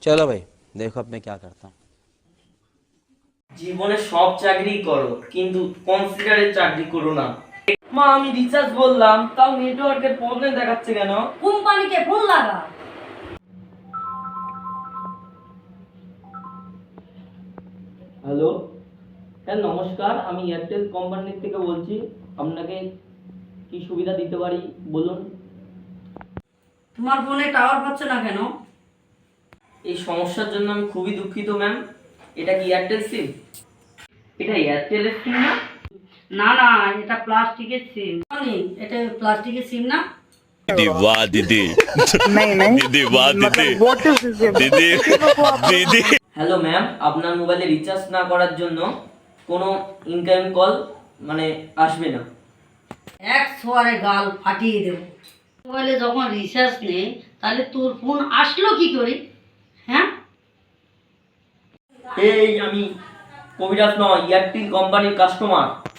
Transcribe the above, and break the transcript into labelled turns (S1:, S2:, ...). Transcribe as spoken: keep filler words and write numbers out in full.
S1: चलो भाई देखो अब मैं क्या करता हूँ।
S2: জীবনে সব চাকরি করো কিন্তু কনসিডারের চাকরি করো না। মা আমি রিচার্জ বললাম তাও নেটওয়ার্কের প্রবলেম দেখাচ্ছে কেন?
S3: কোম্পানিকে ফোন লাগা।
S2: হ্যালো, হ্যাঁ নমস্কার, আমি এয়ারটেল কোম্পানি থেকে বলছি। আপনাকে কি সুবিধা দিতে পারি বলুন।
S3: তোমার ফোনে টাওয়ার পাচ্ছে না কেন?
S2: এই সমস্যার জন্য আমি খুবই দুঃখিত ম্যাম। এটা কি এয়ারটেল সিম? এটা এয়ারটেলের সিম না?
S3: না না, এটা প্লাস্টিকের সিম। জানি এটা প্লাস্টিকের সিম না?
S4: दीदी वाह दीदी
S5: नहीं नहीं
S4: दीदी वाह दीदी
S5: मतलब व्हाट इज दिस
S4: दीदी दीदी
S2: হ্যালো ম্যাম, আপনার মোবাইলে রিচার্জ না করার জন্য কোনো ইনকামিং কল মানে আসবে না।
S3: এক সোয়ারে গাল ফাটিয়ে দেব। মোবাইলে যখন রিচার্জ নেই তাহলে তোর ফোন আসলো কি করে? হ্যাঁ,
S2: এই আমি কবিরাজ নয়, এয়ারটেল কোম্পানির কাস্টমার।